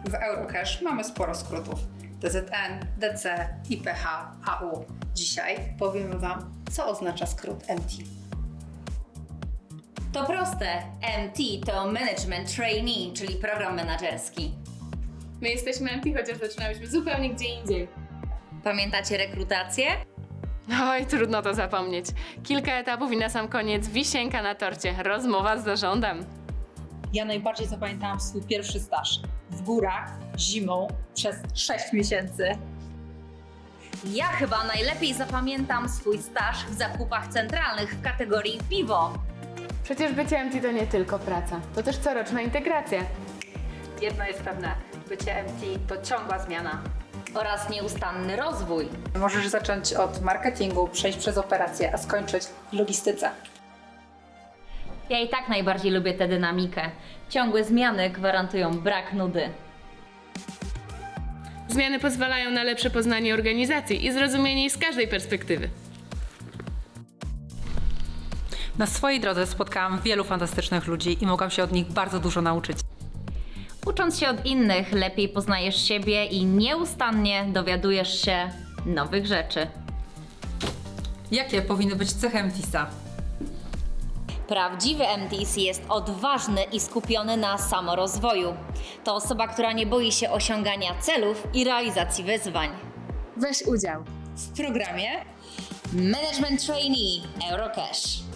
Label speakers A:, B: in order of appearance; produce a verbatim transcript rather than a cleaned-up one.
A: W Eurocash mamy sporo skrótów. D Z N, D C, I P H, A U. Dzisiaj powiemy Wam, co oznacza skrót M T.
B: To proste. M T to Management Trainee, czyli program menedżerski.
C: My jesteśmy M T, chociaż zaczynałyśmy zupełnie gdzie indziej.
B: Pamiętacie rekrutację?
C: Oj, trudno to zapomnieć. Kilka etapów i na sam koniec wisienka na torcie. Rozmowa z zarządem.
D: Ja najbardziej zapamiętałam swój pierwszy staż. W górach, zimą, przez sześć miesięcy.
B: Ja chyba najlepiej zapamiętam swój staż w zakupach centralnych w kategorii piwo.
C: Przecież bycie M T to nie tylko praca, to też coroczna integracja.
D: Jedno jest pewne, bycie M T to ciągła zmiana.
B: Oraz nieustanny rozwój.
A: Możesz zacząć od marketingu, przejść przez operacje, a skończyć w logistyce.
B: Ja i tak najbardziej lubię tę dynamikę. Ciągłe zmiany gwarantują brak nudy.
C: Zmiany pozwalają na lepsze poznanie organizacji i zrozumienie jej z każdej perspektywy.
E: Na swojej drodze spotkałam wielu fantastycznych ludzi i mogłam się od nich bardzo dużo nauczyć.
B: Ucząc się od innych, lepiej poznajesz siebie i nieustannie dowiadujesz się nowych rzeczy.
E: Jakie powinny być cechy M T S a?
B: Prawdziwy M T S jest odważny i skupiony na samorozwoju. To osoba, która nie boi się osiągania celów i realizacji wyzwań.
C: Weź udział.
A: W programie
B: Management Trainee Eurocash.